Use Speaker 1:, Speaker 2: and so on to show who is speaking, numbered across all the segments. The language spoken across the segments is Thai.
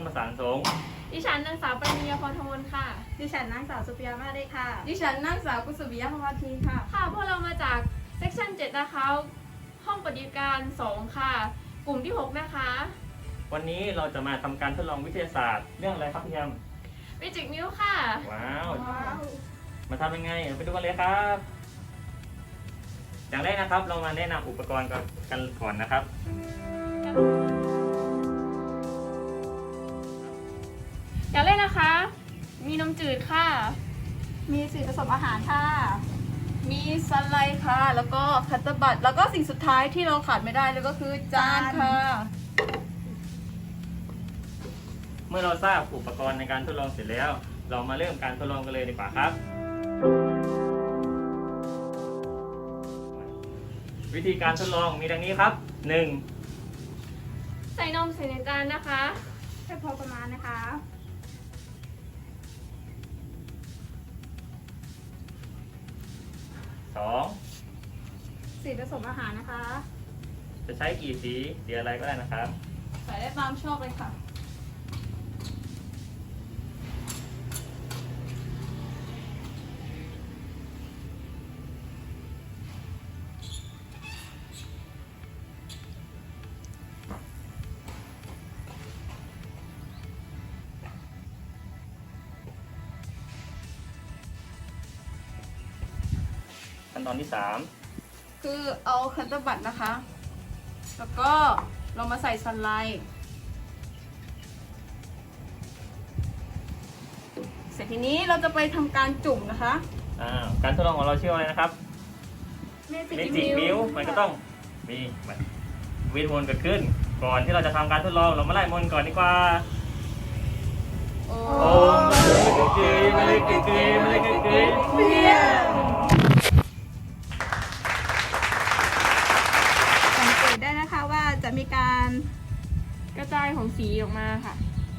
Speaker 1: ประสานสงฆ์
Speaker 2: ดิฉันนางสาวปริญญาพรทมนค่ะ
Speaker 3: ดิฉันนางสาวสุปิยามาได้ค่ะ
Speaker 4: ดิฉันนางสาวกุศวิยะพภาทีค่ะ
Speaker 2: ค่ะพวกเรามาจากเซกชัน7นะคะห้องปฏิบัติการ2ค่ะ กลุ่มที่6นะคะ
Speaker 1: วันนี้เราจะมาทำการทดลองวิทยาศาสตร์เรื่องอะไรครับพี่แฮม
Speaker 2: วิจิกนิ้วค่ะ
Speaker 1: ว้าว มาทำยังไงไปดูกันเลยครับ อย่างแรกนะครับเรามาแนะนำอุปกรณ์กันก่อนนะครับ
Speaker 2: อย่างแรกนะคะ มีนมจืดค่ะ
Speaker 3: มีสีผสมอาหารค่ะ
Speaker 4: มีสไลด์ค่ะ แล้วก็คัตเตอร์บัตแล้วก็สิ่งสุดท้ายที่เราขาดไม่ได้เลยก็คือจานค่ะ
Speaker 1: เมื่อเราทราบอุปกรณ์ในการทดลองเสร็จแล้ว เรามาเริ่มการทดลองกันเลยดีกว่าครับ วิธีการทดลองมีดังนี้ครับ 1.
Speaker 2: ใส่นมใส่ในจานนะคะ
Speaker 3: แค่พอประมาณนะคะ
Speaker 1: 2.
Speaker 3: สีผสมอาหารนะคะ
Speaker 1: จะใช้กี่สีอะไรก็ได้นะครับ
Speaker 4: ใส่ได้ตามชอบเลยค่ะ
Speaker 1: ขั้นตอนที่
Speaker 4: คือเอาคัตเตอร์บัตนะคะ แล้วก็เรามาใส่สไลด์เสร็จทีนี้เราจะไปทำการจุ่มนะคะ
Speaker 1: 3. การทดลองของเราชื่ออะไรนะครับ
Speaker 3: เมจิ
Speaker 1: เม
Speaker 3: ก
Speaker 1: จิกมิวมันก็ต้องมีเวทมนต์เกิดขึ้น ก่อนที่เราจะทำการทดลองเรามาไล่มนต์ก่อนดีกว่า
Speaker 4: โอ้
Speaker 1: โอ้มาเลยเกยมาเลยเกย
Speaker 4: เพี้ยน
Speaker 3: สังเกตได้นะคะว่าจะมีการ
Speaker 2: กระจายของสีออกมาค่ะ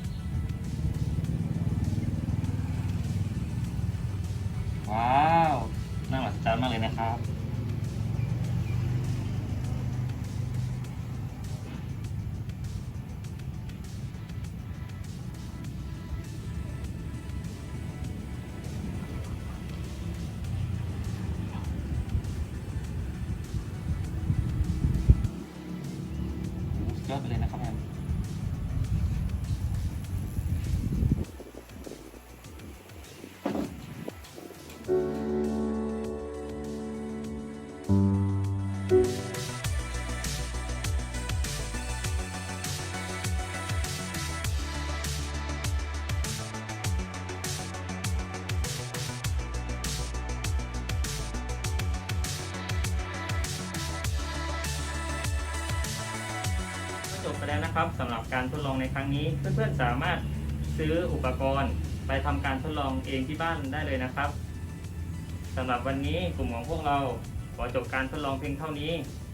Speaker 1: ว้าวน่ามหัศจรรย์มากเลยนะครับสุดยอดไปเลยนะครับแอมจบไปแล้วนะครับสำหรับการทดลองในครั้งนี้เพื่อนๆสามารถซื้ออุปกรณ์ไปทำการทดลองเองที่บ้านได้เลยนะครับสำหรับวันนี้กลุ่มของพวกเราขอจบการทดลองเพียงเท่านี้